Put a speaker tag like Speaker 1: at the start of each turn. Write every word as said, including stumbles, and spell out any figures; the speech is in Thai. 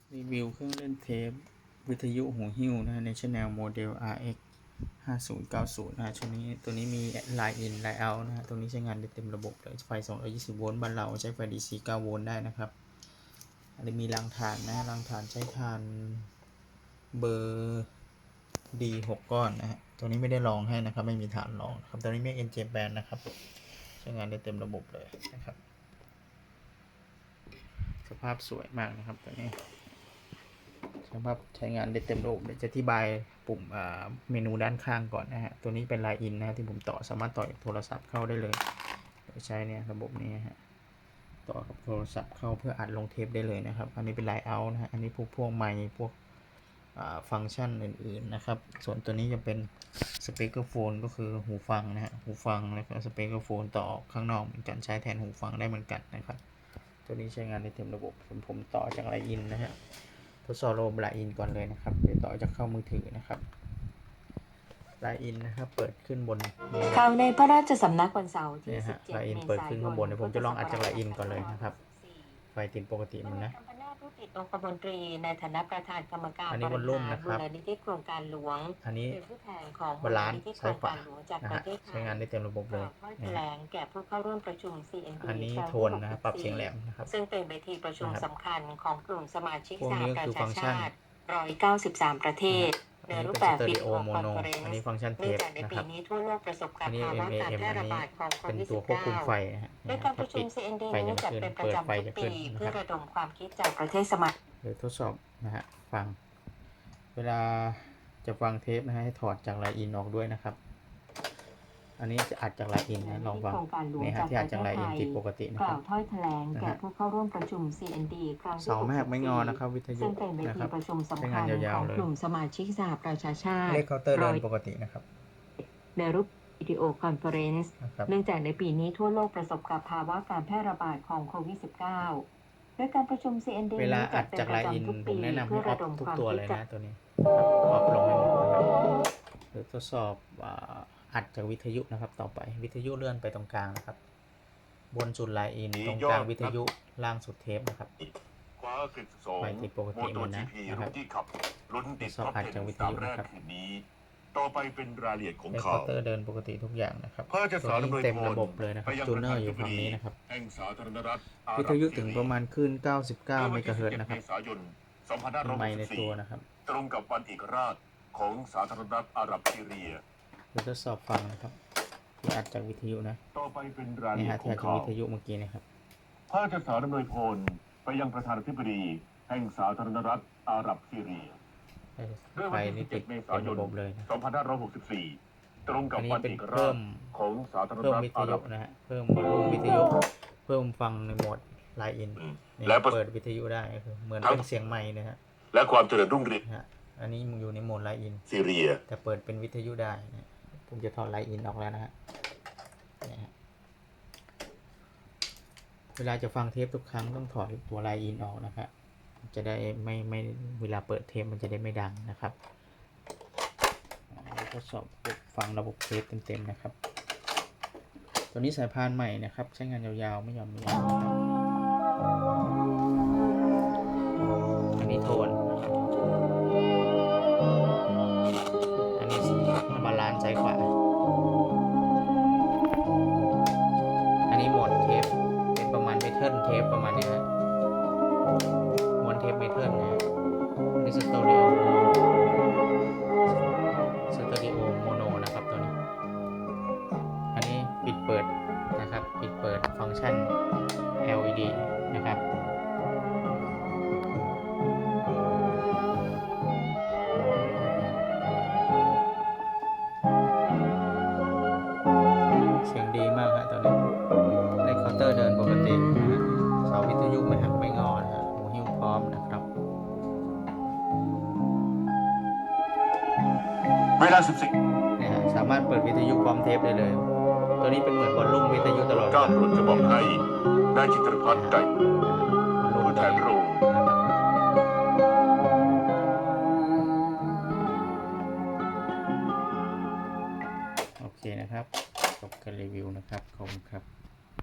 Speaker 1: รีวิวเครื่องเล่นเทปวิทยุหูหิ้วนะฮะในชแนลโมเดล อาร์ เอ็กซ์ ห้าศูนย์เก้าศูนย์นะฮะชุดนี้ตัวนี้มี Line in Line out นะฮะตรงนี้ใช้งานได้เต็มระบบเลยไฟสองร้อยยี่สิบโวลต์บ้านเราใช้ไฟ ดี ซี เก้าโวลต์ได้นะครับอันนี้มีรางฐานนะรางฐานใช้ฐานเบอร์ ดี หก ก้อนนะฮะตัวนี้ไม่ได้ลองให้นะครับไม่มีฐานรองครับตัวนี้ไม่ เอ็น เจ Band นะครับใช้งานได้เต็มระบบเลยนะครับสภาพสวยมากนะครับตัวนี้สภาพใช้งานได้เต็มระบบเดี๋ยวจะอธิบายปุ่มเมนูด้านข้างก่อนนะฮะตัวนี้เป็น Line in นะที่ผมต่อสามารถต่อโทรศัพท์เข้าได้เลยโดยใช้เนี่ยระบบนี้ฮะต่อกับโทรศัพท์เข้าเพื่ออัดลงเทปได้เลยนะครับอันนี้เป็น Line out นะฮะอันนี้พวกพวกไมค์พวกฟังก์ชันอื่นๆนะครับส่วนตัวนี้จะเป็นสเปกเกอร์โฟนก็คือหูฟังนะฮะหูฟังแล้วก็สเปกเกอร์โฟนต่อข้างนอกเหมือนกันใช้แทนหูฟังได้เหมือนกันนะครับตัวนี้ใช้งานได้เต็มระบบผมผมต่อจาก Line in นะฮะทดสอบระบบ Line in ก่อนเลยนะครับเดี๋ยวต่อจากเข้ามือถือนะครับ Line in นะครับเปิดขึ้นบน
Speaker 2: ข่าวในพระราชสำนักวันเสาร์ที่
Speaker 1: สิบเจ็ด เมษายนเปิดขึ้นข้างบนเดี๋ยวผมจะลองอัดจาก Line in ก่อนเลยนะครับไฟติดปกติมันนะ
Speaker 2: ผู้ติดองคมนตรีในฐานะประธานกรรมการ
Speaker 1: อันนี้บนรุ่มนะครับ
Speaker 2: มูลนิธิโครงการหลวง
Speaker 1: อันนี้
Speaker 2: เป็นผู้แทนของ
Speaker 1: บาลานซ์ซ้ายขวา
Speaker 2: ใช้
Speaker 1: งานได้เต็มระบบเลย
Speaker 2: แถลงแก่ผู้เข้าร่วมประชุม ซี เอ็น ดี
Speaker 1: อันนี้โทนนะครับปรับเสียงแหลมนะครับ
Speaker 2: ซึ่งเป็นเวทีประชุมสำคัญของกลุ่มสมาชิก
Speaker 1: สหประชาชาติ
Speaker 2: หนึ่งร้อยเก้าสิบสามประเทศในรูปแบบวิดีโอคอนเฟอเรนซ์
Speaker 1: อันนี้ฟังก์ชันเทปนะครับ
Speaker 2: ในปีนี้ทั่วโลกประสบกับภาวะการแพร่ระบาดของโควิด
Speaker 1: สิบเก้า โด
Speaker 2: ยการประชุม ซี เอ็น ดี นี้จัดเป็นประจำทุกปีเพื่อระดมความคิดจากประเทศสมาชิก
Speaker 1: เดี๋ยวทดสอบนะฮะฟังเวลาจะฟังเทปนะฮะให้ถอดจาก Line in ออกด้วยนะครับอันนี้จะอัดจาก Line in นะลองฟังนี่ฮะที่อัดจาก Line in ติดปกตินะ
Speaker 2: ก
Speaker 1: ครั
Speaker 2: ล่าวถ้อยแถลงแก่ผู้เข้าร่วมประชุม ซี เอ็น ดี ครั้งที่
Speaker 1: เสาแม่หักไม่งอนะครับวิทยุ
Speaker 2: ซึ่งเป็นเวทีประชุมสำคัญของกลุ่มสมาชิกสหประชาชาติ
Speaker 1: เลขเคาน์เตอร์เดินปกตินะครับ
Speaker 2: ในรูปวิดีโอคอนเฟอเรนซ์เนื่องจากในปีนี้ทั่วโลกประสบกับภาวะการแพร่ระบาดของโควิด สิบเก้า โดยการประชุม ซี เอ็น ดี
Speaker 1: เวลาอัดจาก Line in ผมแนะนำให้ออฟทุกตัวเลยนะตัวนี้ออฟลงให้หมดนะครับหรือทดสอบอัดจากวิทยุนะครับต่อไปวิทยุเลื่อนไปตรงกลางนะครับบนสุด Line in ตรงกลางวิทยุล่างสุดเทปนะครับไฟติดปกติหมดนะนะครับทดสอบอัดจากวิทยุนะครับ
Speaker 3: ต่อไปเป็นรายละเอียดของ
Speaker 1: ข่าวเคาน์เตอร์เดินปกติทุกอย่างนะครับตัวนี้เต็มระบบเลยนะครับจูเนอร์อยู่ฝั่งนี้นะครับวิทยุถึงประมาณคลื่นเก้าสิบเก้าเมกะเฮิรตซ์นะครับไมค์ในตัวนะครับ
Speaker 3: ตรงกับวันเอกราชของสาธารณรัฐอาหรับซีเรีย
Speaker 1: เดี๋ยวทดสอบฟังนะครับที่อัดจากวิทยุนะ
Speaker 3: ต่อไปเป็นรายละเอียดของ
Speaker 1: ข่าววิทยุเมื่อกี้นะครับ
Speaker 3: พระราชสารดำเนินพลไปยังประธานาธิบดีแห่งสาธารณรัฐอาหรับซีเรีย
Speaker 1: เมื่อวันที่สิบเจ็ดเมษายน
Speaker 3: สองพันห้าร้อยหกสิบสี่ตรงกับวันเอกราชของสาธารณรัฐ
Speaker 1: อาหรับนะฮะเพิ่มวอลลุ่มวิทยุเพิ่มฟังในโหมด Line in และเปิดวิทยุได้คือเหมือนเป็นเสียงไมค์นะฮะ
Speaker 3: และความเจริญรุ่งเรือง
Speaker 1: อันนี้มันอยู่ในโหมด Line in
Speaker 3: ซีเรีย
Speaker 1: แต่เปิดเป็นวิทยุได้นะผมจะถอด Line in ออกแล้วนะฮะเวลาจะฟังเทปทุกครั้งต้องถอดตัว Line in ออกนะครับจะได้ไม่ไม่เวลาเปิดเทปมันจะได้ไม่ดังนะครับทดสอบฟังระบบเทปเต็มๆนะครับตัวนี้สายพานใหม่นะครับใช้งานยาวๆไม่ยอมมีอันนี้โทนอันนี้บาลานซ์ซ้ายขวาอันนี้โหมดเทปเป็นประมาณเมทัลเทปประมาณนี้นะม้วนเทปเมทัลนะนี่สเตอริโอสเตอริโอโมโนนะครับตัวนี้อันนี้ปิดเปิดนะครับปิดเปิดฟังก์ชัน แอล อี ดี นะครับเสียงดีมากฮะตัวนี้ในเคาน์เตอร์เดินปกติเสาวิทยุไม่หักไม่งอนะฮะหูหิ้วพร้อมนะครับ
Speaker 3: เวลาสิบสี่
Speaker 1: เนี่ยสามารถเปิดวิทยุพร้อมเทปได้เลยตัวนี้เป็นเหมือนวอลลุ่มวิทยุตลอด
Speaker 3: ก้าวโปรดจะบอกให้นายจิตรพัฒน์ไก่ผู้แทนพระองค์
Speaker 1: โอเคนะครับจบการรีวิวนะครับขอบคุณครับ